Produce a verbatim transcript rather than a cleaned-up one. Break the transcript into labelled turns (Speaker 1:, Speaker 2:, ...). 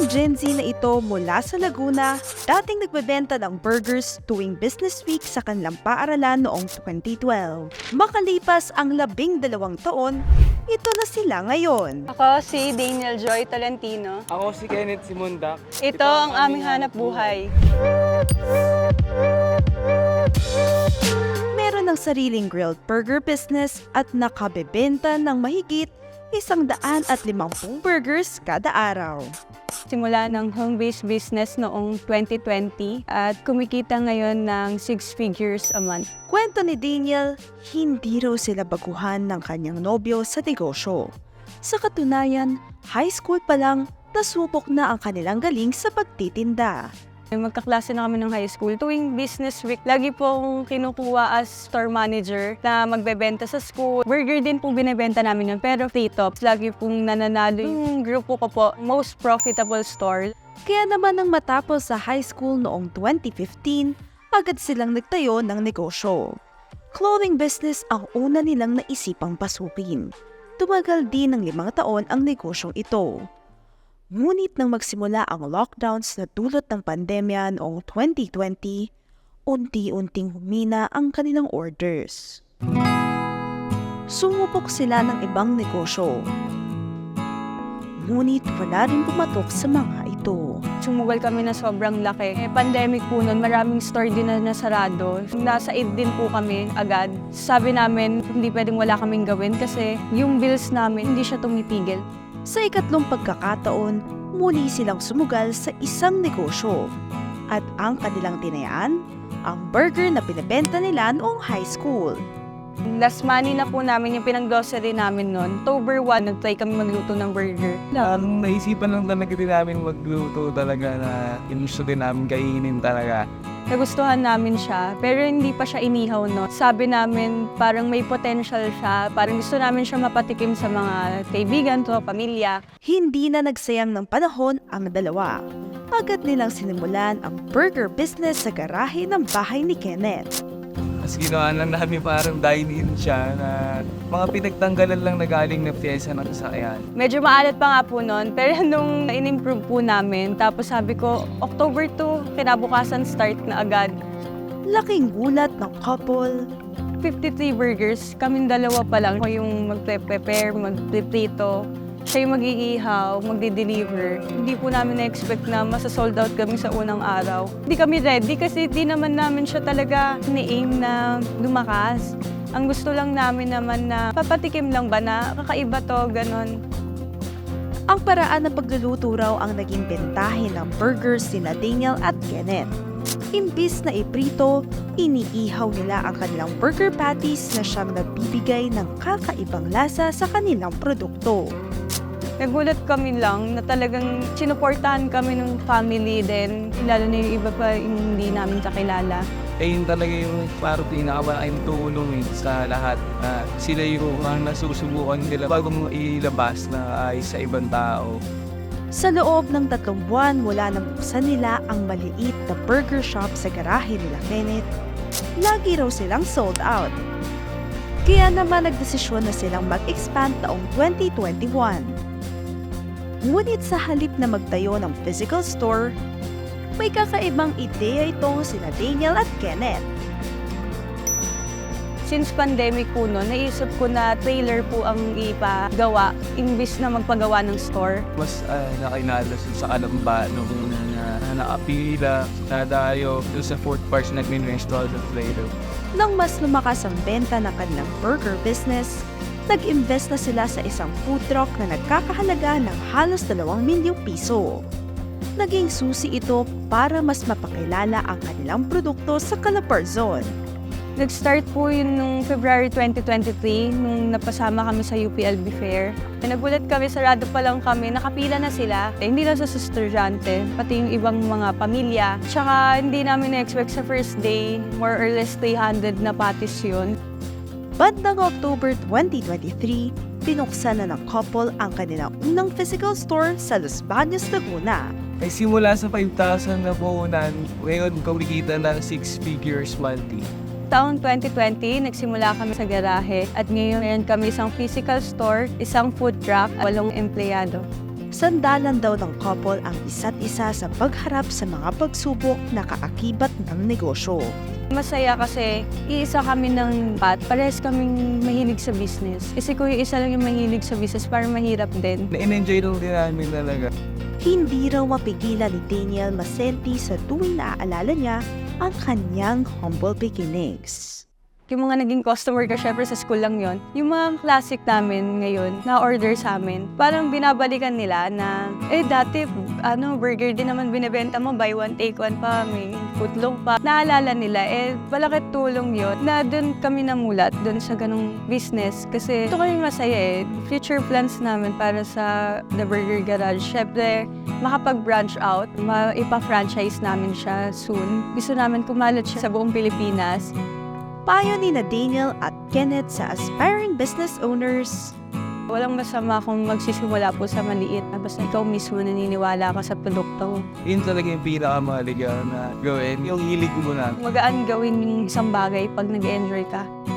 Speaker 1: Ang Gen Z na ito mula sa Laguna, dating nagbebenta ng burgers tuwing business week sa kanilang paaralan noong twenty twelve. Makalipas ang labing dalawang taon, ito na sila ngayon.
Speaker 2: Ako si Daniel Joy Tolentino.
Speaker 3: Ako si Kenneth Simundak.
Speaker 2: Ito ang aming hanap buhay.
Speaker 1: Meron ng sariling grilled burger business at nakabebenta ng mahigit isang daan at limampung burgers kada araw.
Speaker 2: Simula ng home-based business noong twenty twenty at kumikita ngayon ng six figures a month.
Speaker 1: Kwento ni Daniel, hindi raw sila baguhan ng kanyang nobyo sa negosyo. Sa katunayan, high school pa lang, nasubok na ang kanilang galing sa pagtitinda.
Speaker 2: Magkaklase na kami ng high school. Tuwing business week, lagi pong kinukuha as store manager na magbebenta sa school. Burger din pong binibenta namin yun, pero free tops. Lagi pong nananalo yung grupo ko po, most profitable store.
Speaker 1: Kaya naman nang matapos sa high school noong twenty fifteen, agad silang nagtayo ng negosyo. Clothing business ang una nilang naisipang pasukin. Tumagal din ng limang taon ang negosyong ito. Ngunit nang magsimula ang lockdowns na dulot ng pandemya noong twenty twenty, unti-unting humina ang kanilang orders. Sumubok sila ng ibang negosyo. Ngunit wala rin pumatok sa mga ito.
Speaker 2: Sumugal kami na sobrang laki. Eh, pandemic po nun, maraming store din na nasarado. Nasa id din po kami agad. Sabi namin, hindi pwedeng wala kaming gawin kasi yung bills namin, hindi siya tumitigil.
Speaker 1: Sa ikatlong pagkakataon, muli silang sumugal sa isang negosyo. At ang kanilang tinayaan, ang burger na pinibenta nila noong high school.
Speaker 2: Last money na po namin yung pinang-grocery namin noon. October one, nag-try kami magluto ng burger.
Speaker 3: Ang naisipan lang talaga din namin magluto talaga na inusto din namin kainin talaga.
Speaker 2: Nagustuhan namin siya, pero hindi pa siya inihaw, no? Sabi namin, parang may potential siya. Parang gusto namin siya mapatikim sa mga kaibigan to, pamilya.
Speaker 1: Hindi na nagsayang ng panahon ang dalawa. Agad nilang sinimulan ang burger business sa garahe ng bahay ni Kenneth.
Speaker 3: Mas ginawa lang namin parang dine-in siya na mga pinagtanggalan lang na galing na pyesa ng sasakyan.
Speaker 2: Medyo maalat pa nga po noon, pero nung in-improve po namin, tapos sabi ko, October two, kinabukasan start na agad.
Speaker 1: Laking gulat ng couple.
Speaker 2: fifty-three burgers, kaming dalawa pa lang. Ako yung mag-prepare, mag-prito. Siya yung mag-iihaw, magde-deliver. Hindi po namin na-expect na masa-sold out kami sa unang araw. Hindi kami ready kasi di naman namin siya talaga ni-aim na lumakas. Ang gusto lang namin naman na papatikim lang ba na kakaiba to, ganon.
Speaker 1: Ang paraan ng pagluluto raw ang naging bentahin ng burgers sina Daniel at Kenneth. Imbis na iprito, iniihaw nila ang kanilang burger patties na siyang nagbibigay ng kakaibang lasa sa kanilang produkto.
Speaker 2: Nagulat kami lang na talagang sinuportahan kami ng family din, lalo na yung iba pa yung hindi namin kakilala.
Speaker 3: Eh yun talaga yung parang pinakamalaking tulong eh, sa lahat. Na sila yung ang nasusubukan nila bago mo ilabas na ay sa ibang tao.
Speaker 1: Sa loob ng tatlong buwan mula nang buksan nila ang maliit na burger shop sa garahe nila Kenneth, lagi raw silang sold out. Kaya naman nagdesisyon na silang mag-expand taong twenty twenty-one. Ngunit sa halip na magtayo ng physical store, may kakaibang ideya ito sina Daniel at Kenneth.
Speaker 2: Since pandemic po noon, naisip ko na trailer po ang ipagawa imbis na magpagawa ng store.
Speaker 3: Mas uh, nakinalas sa Kalamba nung una na, na nakapila, nadayo doon sa fourth part na nag-install sa Play-Doh.
Speaker 1: Nang mas lumakas ang benta ng kanilang burger business, nag-invest na sila sa isang food truck na nagkakahalaga ng halos dalawang milyong piso. Naging susi ito para mas mapakilala ang kanilang produkto sa Calabarzon.
Speaker 2: Nag-start po yun nung February twenty twenty-three, nung napasama kami sa U P L B Fair. Nagulat kami, sarado pa lang kami, nakapila na sila. Eh, hindi lang sa estudyante, pati yung ibang mga pamilya. Tsaka hindi namin na-expect sa first day, more or less three hundred na patties yun.
Speaker 1: Bandang October twenty twenty-three, pinuksan na ng couple ang kanilang unang physical store sa Los Baños, Laguna.
Speaker 3: Ay simula sa five thousand na puhunan, ngayon kumikita ng six figures monthly.
Speaker 2: Taong twenty twenty, nagsimula kami sa garahe at ngayon meron kami isang physical store, isang food truck, walong empleyado.
Speaker 1: Sandalan daw ng couple ang isa't isa sa pagharap sa mga pagsubok na kaakibat ng negosyo.
Speaker 2: Masaya kasi iisa kami ng pat, parehas kaming mahilig sa business. Kasi kung yung isa lang yung mahilig sa business, parang mahirap din.
Speaker 3: Na-enjoy lang din namin talaga.
Speaker 1: Hindi raw mapigilan ni Daniel Masenti sa tuwing naaalala niya ang kanyang humble beginnings.
Speaker 2: Yung mga naging customer ka, syempre sa school lang yon. Yung mga classic namin ngayon, na order sa amin, parang binabalikan nila na, eh dati, ano, burger din naman binibenta mo, buy one, take one pa, may putlong pa. Naalala nila, eh, malaki tulong yon na doon kami namulat, doon sa ganong business. Kasi ito kami masaya eh. Future plans namin para sa The Burger Garage, syempre, makapag-branch out, maipa-franchise namin siya soon. Gusto namin kumalat siya sa buong Pilipinas.
Speaker 1: Payo ni na Daniel at Kenneth sa aspiring business owners.
Speaker 2: Walang masama kung magsisimula po sa maliit. Basta ikaw mismo naniniwala ka sa produkto.
Speaker 3: Yun talaga yung pinakamahalaga na gawin. Yung hilig mo na.
Speaker 2: Magaan gawin yung isang bagay pag nag-enjoy ka.